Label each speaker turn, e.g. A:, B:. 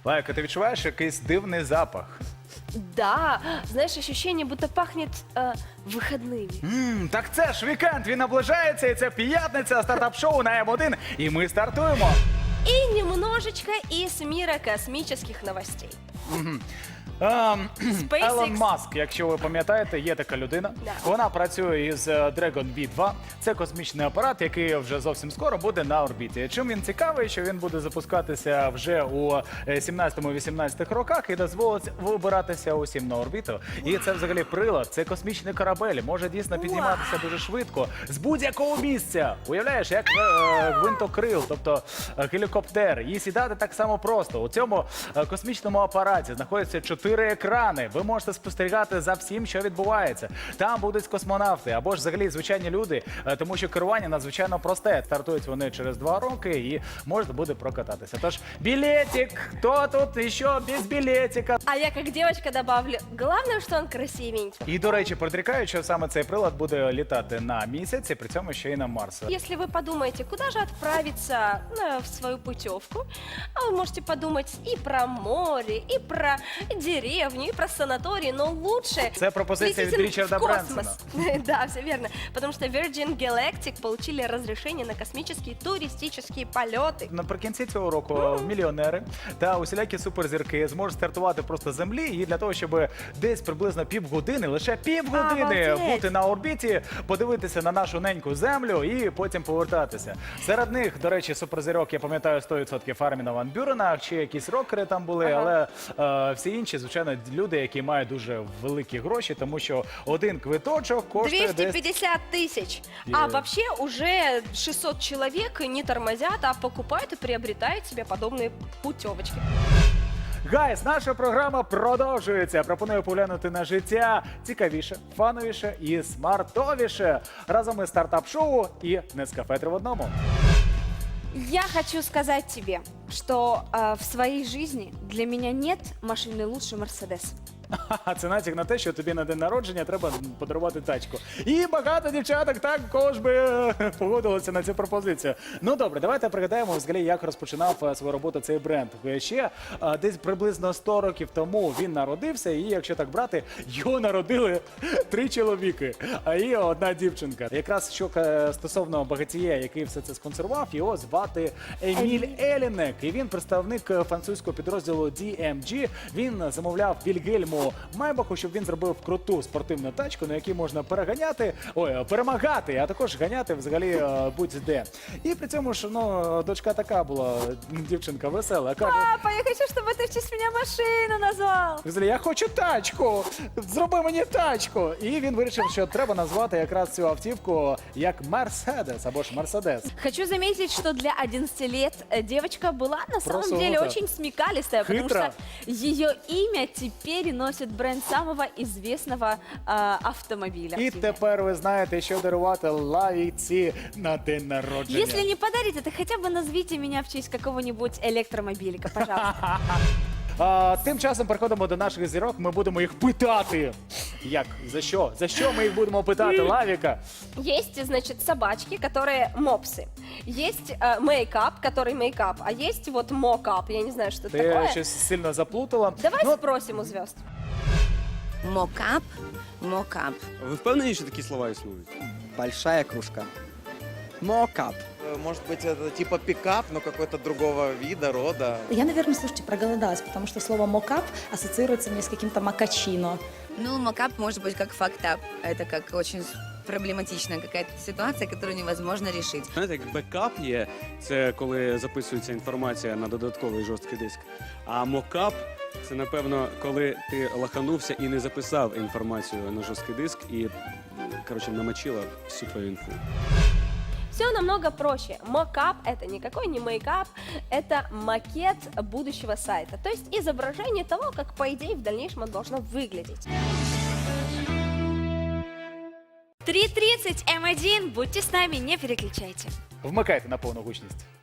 A: Лайка, ти відчуваєш якийсь дивний запах?
B: Да, знаешь, ощущение, будто пахнет выходными.
A: Так це ж вікенд, він наближається, і це п'ятниця, стартап-шоу на М1, і ми стартуємо.
B: И немножечко из мира космических новостей.
A: Елон Маск, якщо ви пам'ятаєте, є така людина.
B: Да.
A: Вона працює із Dragon B2. Це космічний апарат, який вже зовсім скоро буде на орбіті. Чим він цікавий, що він буде запускатися вже у 17-18 роках і дозволить вибиратися усім на орбіту. І це взагалі прилад, це космічний корабель, може дійсно підніматися дуже швидко з будь-якого місця. Уявляєш, як гвинтокрил, тобто гелікоптер. І сідати так само просто. У цьому космічному апараті знаходяться 4 екрани. Ви можете спостерігати за всім, що відбувається. Там будуть космонавти або ж взагалі звичайні люди, тому що керування надзвичайно просте. Стартують вони через 2 роки і можна буде прокататися. Тож білетик, хто тут ще без білетика?
B: А я как девочка добавлю, главное, что он красивенький.
A: І, до речі, предрікають, що саме цей прилад буде літати на місяць, і при цьому ще й на Марс.
B: Если вы подумаете, куда же отправиться в свою путевку, вы можете подумать и про море, и про деревню, и про санаторий, но лучше
A: Це пропозиція від
B: летите
A: Річарда
B: в космос.
A: Бренсона.
B: Да, все верно. Потому что Virgin Galactic получили разрешение на космические туристические полеты.
A: Наприкінці цього року мільйонери та усілякі суперзірки зможуть стартувати просто з землі, і для того, щоб десь приблизно півгодини, лише півгодини
B: Обалдеть!
A: бути на орбіті, подивитися на нашу неньку землю і потім повертатися. Серед них, до речі, суперзірок, я пам'ятаю 100% Арміна Ван Бюрена, чи якісь рокери там були, але всі інші, звичайно, люди, які мають дуже великі гроші, тому що один квиточок коштує десь...
B: 250 тысяч. А вообще уже 600 человек не тормозят, а покупают и приобретают себе подобные путевочки.
A: Гайс, наша програма продовжується. Пропоную поглянути на життя цікавіше, фановіше і смартовіше. Разом із стартап-шоу і Нескафе 3 в одному.
C: Я хочу сказать тебе, что в своей жизни для меня нет машины лучше Мерседес.
A: Це натяк на те, що тобі на день народження треба подарувати тачку. І багато дівчаток також би погодилися на цю пропозицію. Ну добре, давайте пригадаємо взагалі, як розпочинав свою роботу цей бренд. Ще десь приблизно 100 років тому він народився, і якщо так брати, його народили 3 чоловіки, а є 1 дівчинка. Якраз що стосовно багатія, який все це сконсервував, його звати Еміль Елінек. І він представник французького підрозділу DMG. Він замовляв Вільгельму Майбаху, щоб він зробив круту спортивну тачку, на якій можна перемагати, а також ганяти взагалі будь-де. І при цьому ж, дочка така була, дівчинка весела. Каже,
C: Папа, я хочу, чтобы ты в честь меня машину назвал.
A: взагалі, я хочу тачку, зроби мені тачку. І він вирішив, що треба назвати якраз цю автівку як Мерседес або ж Мерседес.
C: Хочу заметить, что для 11 лет девочка была на самом
A: Просунута.
C: деле очень смекалистая, потому
A: Хитро.
C: что ее имя теперь носит бренд самого известного автомобиля.
A: І тепер ви знаєте, що дарувати лавіці на день народження.
C: Если не подарите, то хотя бы назовите меня в честь какого-нибудь электромобилика, пожалуйста.
A: Тим часом переходимо до наших зірок, ми будемо їх питати. Як? За що? За що ми їх будемо питати, Лавіка?
B: Есть, значит, собачки, которые мопсы. Есть мейкап, который мейкап. А есть вот мокап. Я не знаю, что это
A: Ти
B: такое.
A: щось сильно заплутала.
B: Давай
A: Ну,
B: спросим у звезд.
D: Мокап, мокап.
E: Ви впевнені, що такі слова існують?
F: Большая кружка. Мокап.
G: Может быть, это типа пикап, но какой-то другого вида, рода.
H: Я, наверное, слушайте, проголодалась, потому что слово «мокап» ассоциируется мне с каким-то макачино.
D: Ну, мокап может быть как фактап. Это как очень проблематичная какая-то ситуация, которую невозможно решить.
E: Знаєте, як бекап є, це коли записується інформація на додатковий жорсткий диск. А мокап це, напевно, коли ти лаханувся і не записав інформацію на жорсткий диск і, коротше, намочила всю твою інфу.
B: Все намного проще. Мокап — это никакой не мейкап, это макет будущего сайта. То есть изображение того, как, по идее, в дальнейшем он должно выглядеть.
C: 3:30 М1, будьте с нами, не переключайте.
A: Вмикайте на повну гучність.